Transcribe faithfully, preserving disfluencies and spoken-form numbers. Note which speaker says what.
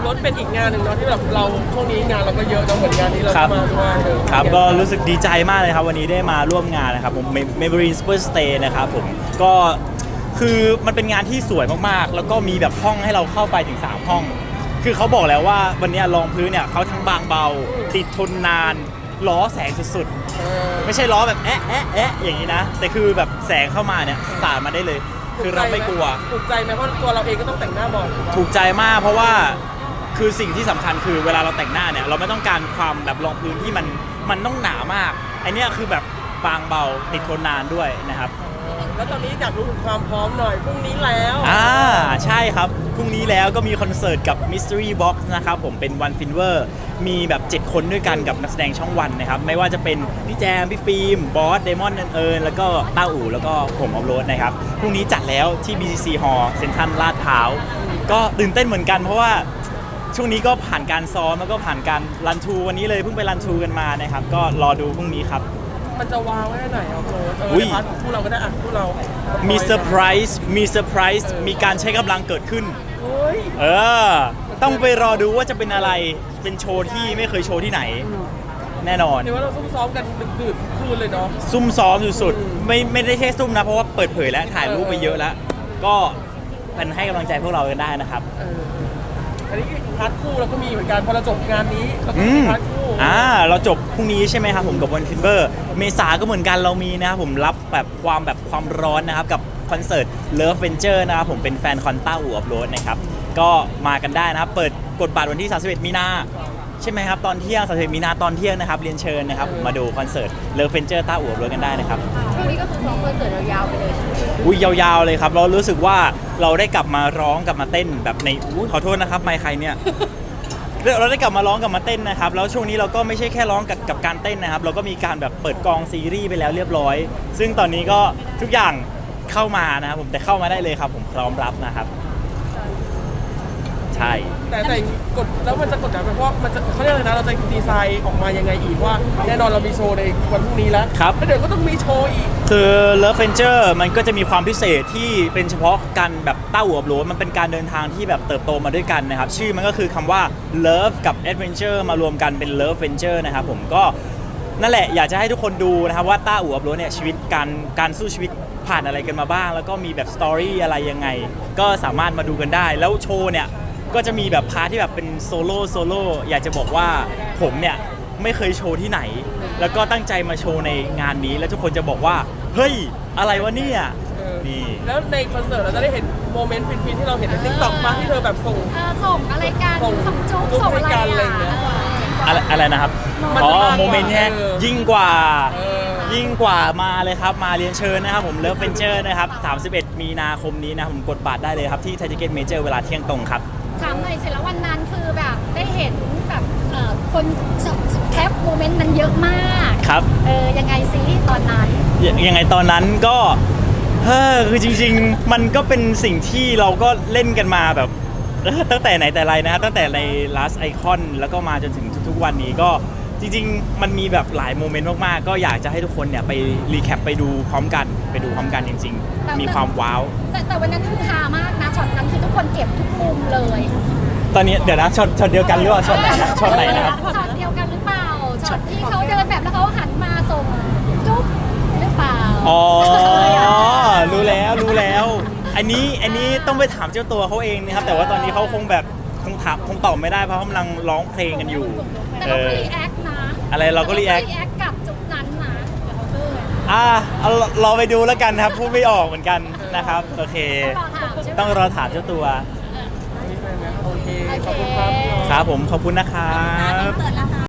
Speaker 1: รถเป็นอีกงานหนึ่งเนาะที่แบบเราช่วงนี้งานเราก็เยอะเนาะเหมือนงานนี้เรามาด้วย
Speaker 2: ครับก็รู้สึกดีใจมากเลยครับวันนี้ได้มาร่วมงานนะครับผม Maybelline Super Stay นะครับผมก็คือมันเป็นงานที่สวยมากๆแล้วก็มีแบบห้องให้เราเข้าไปถึงสามห้องคือเขาบอกแล้วว่าวันนี้รองพื้นเนี่ยเขาทั้งบางเบาติดทนนานล้อแสงสุดๆไม่ใช่ล้อแบบแอะแอะแอะอย่างนี้นะแต่คือแบบแสงเข้ามาเนี่ยสาดมาได้เลยคือเราไม่กลัว
Speaker 1: ถูกใจไหมเพราะตัวเราเองก็ต้องแต่งหน้าบ่อย
Speaker 2: ถูกใจมากเพราะว่าคือสิ่งที่สำคัญคือเวลาเราแต่งหน้าเนี่ยเราไม่ต้องการความแบบรองพื้นที่มันมันต้องหนามากไอเนี้ยคือแบบบางเบาติดทนนานด้วยนะครับ
Speaker 1: แล้วตอนนี้อยากรู้ถึงความพร้อมหน่อยพรุ่งนี้แล้ว
Speaker 2: อ่าใช่ครับพรุ่งนี้แล้วก็มีคอนเสิร์ตกับ Mystery Box นะครับผมเป็น One Finger มีแบบเจ็ดคนด้วยกันกับนักแสดงช่องวันนะครับไม่ว่าจะเป็นพี่แจมพี่ฟิล์มบอสเดมอนเอิญแล้วก็ต้าอู่แล้วก็ผมออฟโรดนะครับพรุ่งนี้จัดแล้วที่ บี ซี ซี Hall เซ็นทรัลลาดพร้าวก็ตื่นเต้นเหมือนกันเพราะว่าช่วงนี้ก็ผ่านการซ้อมแล้วก็ผ่านการรันทูวันนี้เลยเพิ่งไปรันทูกันมานะครับก็รอดูพรุ่งนี้ครับ
Speaker 1: มันจะวางไว้ไหนเอาโรดเออในพาร์ทของคู่เราก็ได้อ่ะคู่เรา
Speaker 2: มีเซอร์ไพรส์มีเซอร์ไพรส์มีการใช้กำลังเกิดขึ้นเออต้องไปรอดูว่าจะเป็นอะไรเป็นโชว์ที่ไม่เคยโชว์ที่ไหนแน่นอน
Speaker 1: เดี๋ยวว่าเราซุ่มซ้อมกันดึกๆทุกคืนเลยเนาะ
Speaker 2: ซุ่มซ้อมสุดๆไม่ไม่ได้แค่ซุ่มนะเพราะว่าเปิดเผยแล้วถ่ายรูปไปเยอะแล้วก็เป็นให้กำลังใจพวกเรากันได้นะครับ
Speaker 1: อันนี้พาร์ทคู่เราก็มีเหมือนกันพอเราจบงานนี้เราก็มีพาร์ทคู่
Speaker 2: อ่าเราจบพรุ่งนี้ใช่ไหมครับผมกับวันฟินเบอร์เมษาก็เหมือนกันเรามีนะครับผมรับแบบความแบบความร้อนนะครับกับคอนเสิร์ต Love Venture นะครับผมเป็นแฟนคอนต้าอู่อัพโรดนะครับก็มากันได้นะครับเปิดกดบัตรวันที่สามสิบเอ็ดมีนาใช่ไหมครับตอนเที่ยงสามสิบเอ็ดมีนาตอนเที่ยงนะครับเรียนเชิญนะครับมาดูคอนเสิร์ต Love Venture ต้าอู่อัพโรดกันได้นะครับ
Speaker 3: ช่วงนี้ก็คือซ้อมคอนเสิร์ตยาวๆไปเลย
Speaker 2: อุ้ยยาวๆเลยครับเรารู้สึกว่าเราได้กลับมาร้องกลับมาเต้นแบบในอุ้ยขอโทษนะครับไมค์ใครเนี่ยเราได้กลับมาร้องกลับมาเต้นนะครับแล้วช่วงนี้เราก็ไม่ใช่แค่ร้องกับกับการเต้นนะครับเราก็มีการแบบเปิดกองซีรีส์ไปแล้วเรียบร้อยซึ่งตอนนี้ก็ทุกอย่างเข้ามานะครับผมแต่เข้ามาได้เลยครับผมพร้อมรับนะครับใช่
Speaker 1: แต่แต่กดแล้วมันจะกดดันไหมเพราะมันจะเขาเรียกอะไรนะเราจะดีไซน์ออกมายังไงอีกว่าแน่นอนเรามีโชว์ในวันพรุ่งนี้แล้ว
Speaker 2: ครับ
Speaker 1: แล้วเดี๋ยวก็ต้องมีโชว์อีก
Speaker 2: คือ Love Venture มันก็จะมีความพิเศษที่เป็นเฉพาะกันแบบต้าอู่อัพโรดมันเป็นการเดินทางที่แบบเติบโตมาด้วยกันนะครับชื่อมันก็คือคำว่า Love กับ Adventure มารวมกันเป็น Love Venture นะครับผมก็นั่นแหละอยากจะให้ทุกคนดูนะครับว่าต้าอู่อัพโรดเนี่ยชีวิตการการสู้ชีวิตผ่านอะไรกันมาบ้างแล้วก็มีแบบสตอรี่อะไรยังไงก็สามารถมาดูกันได้แล้วโชว์เนี่ยก็จะมีแบบพาร์ทที่แบบเป็นโซโล่โซโล่อยากจะบอกว่าผมเนี่ยไม่เคยโชว์ที่ไหนแล้วก็ตั้งใจมาโชว์ในงานนี้แล้วทุกคนจะบอกว่าเฮ้ยอะไรวะเนี่ยนี่
Speaker 1: แล้วในคอนเสิร์ตเราจะได้เห็นโมเมนต์ฟินๆที่เราเห็นในติ๊กต็อกมาที่เธอแบบส่ง
Speaker 3: ส่งอะไรกันส่งจุ๊บส่งอะไร
Speaker 2: อะไรอะไรนะครับอ๋อโมเมนต์แค่ยิ่งกว่ายิ่งกว่ามาเลยครับมาเรียนเชิญนะครับผม Love Venture นะครับสามสิบเอ็ดมีนาคมนี้นะผมกดบัตรได้เลยครับที่ไทยทิเก็ตเมเจอร์เวลาเที่ยงตรงครับ
Speaker 3: ถามหน่อยสิแล้ววันนั้นคือแบบได้เห็นแบบคนแคปโมเมนต์นั้นเยอะมาก
Speaker 2: ครับ
Speaker 3: เออยังไงซิตอนนั้น
Speaker 2: ยังไงตอนนั้นก็เฮ้อคือจริงๆมันก็เป็นสิ่งที่เราก็เล่นกันมาแบบตั้งแต่ไหนแต่ไรนะครับตั้งแต่ใน Last Icon แล้วก็มาจนถึงทุกๆวันนี้ก็จริงๆมันมีแบบหลายโมเมนต์มากๆก็อยากจะให้ทุกคนเนี่ยไปรีแคปไปดูพร้อมกันไปดูพร้อมกันจริงๆมีความว้าว
Speaker 3: แต่แต่วันนั้นคือฮามากนะช็อตนั้นคือทุกคนเก็บทุกมุมเลย
Speaker 2: ตอนนี้เดี๋ยวนะช็อตช็อตเดียวกันหรือเปล่าช็อตไหนนะช็อตไหนนะครับ
Speaker 3: ช็อตเดียวกันหรือเปล่าช็อตที่เขาเดินแบบแล้วเขาหันมาส่งจุ๊บหรือเปล่า
Speaker 2: อ๋อรู้แล้วรู้แล้วอันนี้อันนี้ต้องไปถามเจ้าตัวเขาเองนะครับแต่ว่าตอนนี้เขาคงแบบคงถามคงตอบไม่ได้เพราะเขากำลังร้องเพลงกันอยู่
Speaker 3: แต่เราก็รีแอคนะ
Speaker 2: อะไรเราก็รีแอค
Speaker 3: กับจุดนั้นนะ
Speaker 2: อ่าเราไปดูแล้วกันครับพูดไม่ออกเหมือนกันนะครับโอเคต้องรอถามเจ้าตัว
Speaker 1: โอเคขอบคุณครับ
Speaker 2: ครับผมขอบคุณนะครับ